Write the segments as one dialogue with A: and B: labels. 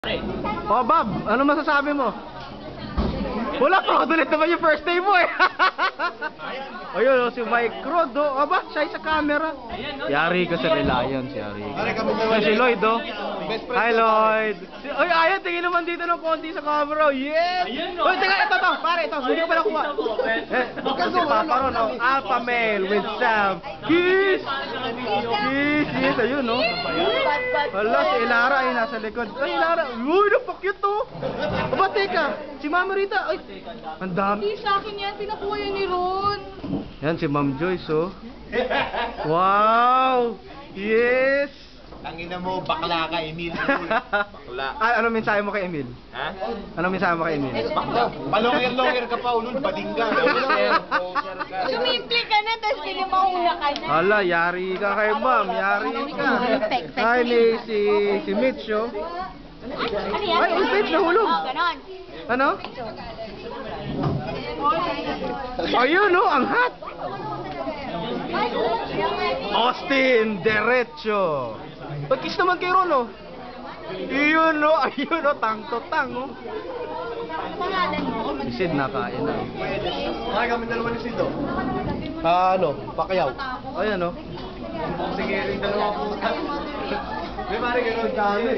A: Oh, Bob, ano masasabi mo? Wala pa, ulit naman yung first day mo eh. Ayun, si Mike Rod, oh. Aba, siya sa camera. Yari ka sa Reliance, yari ka. Si Lloyd, oh. Hi, Lloyd. Ay, ayan, tingin naman dito ng konti sa camera. Yes! Uy, teka, ito, pare, ito. Hindi ko pa nakuha. Si Papa Ron, oh. Alpha male with Sam. Kiss! Kiss, ayun, oh. Wala, si Ilara ay nasa likod. Ay, Ilara. Uy, napakute, oh. Aba, teka. Si Mama Rita. Ay, ang dami.
B: Hindi sa akin yan, pinakuha yan ni Ron.
A: Yan si Ma'am Joyce, oh. Wow! Yes!
C: Tangina mo, bakla ka, Emil. Bakla.
A: Ano mensahe mo kay Emil?
C: Ha?
A: Ano mensahe mo kay Emil?
C: Bakla. Palonger ka pa, ulun, bading ka.
B: Sumimple ka na, tapos kinimauna ka na.
A: Hala, yari ka kay Ma'am. Yari ka. Hi, may si Mitch, oh.
B: Ano yan?
A: Ay, ulpit, nahulog.
B: Oh, ganon.
A: Ano? Ayun, oh, ang hot. Austin, derecho. Pag-kiss naman kay Ron, oh. Iyon, oh. Ayun, oh. Tang to tang, oh.
B: Pangalan mo?
A: Si Sid nakain, oh.
C: Ay, kami dalawa ni Sido.
A: Ano? Pacquiao. Ayan, oh.
C: Sige, rin dalawa puta. May pare gano'n dami.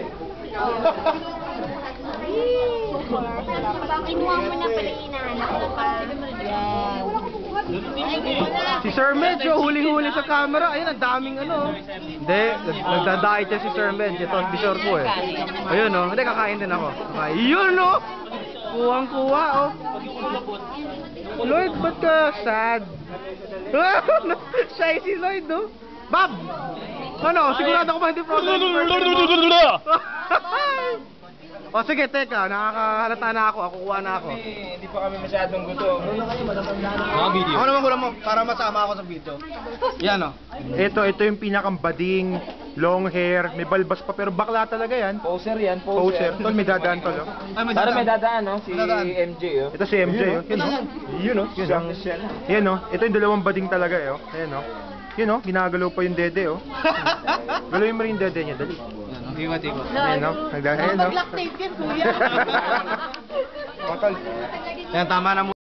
B: Kinuha mo na pala hinahanap ko pa.
A: Si Sir Medj, oh, huling-huli sa camera. Ayun, ang daming ano. Hindi, nagdadait siya si Sir Medj. Ito, be sure po eh. Ayun, oh. Hindi, kakain din ako. Ayun, oh. Kuwang-kuwa, oh. Lloyd, ba't ka sad? Shy si Lloyd, oh. Bob! Ano, sigurado ko ba hindi problem? O sige, teka, nakakahalata na ako, kukuha na ako.
C: Hindi pa kami masyadong gutom.
A: Ako naman kulang mo, para masama ako sa video. Yan, oh.
D: Ito yung pinakang bading, long hair, may balbas pa pero bakla talaga yan.
C: Poser yan,
D: Poser. Tol, may dadaan tol. Oh.
C: Para may dadaan, no? Si
A: Dadaan.
C: MJ, oh.
D: Ito si MJ, oh. Yun, oh. Yun, oh. Yun, oh. Yan, oh. Ito yung dalawang bading talaga, eh, oh. Ayan, oh. Yun, oh. Ginagalaw pa yung dede, oh. Galawin mo rin yung dede niya, dali.
A: Tiwa-tiwa.
D: Ayan, oh. Ayan, oh.
B: Mag-lactate yan, kuya.
D: Oh, tol.
A: Yan, tama na mo.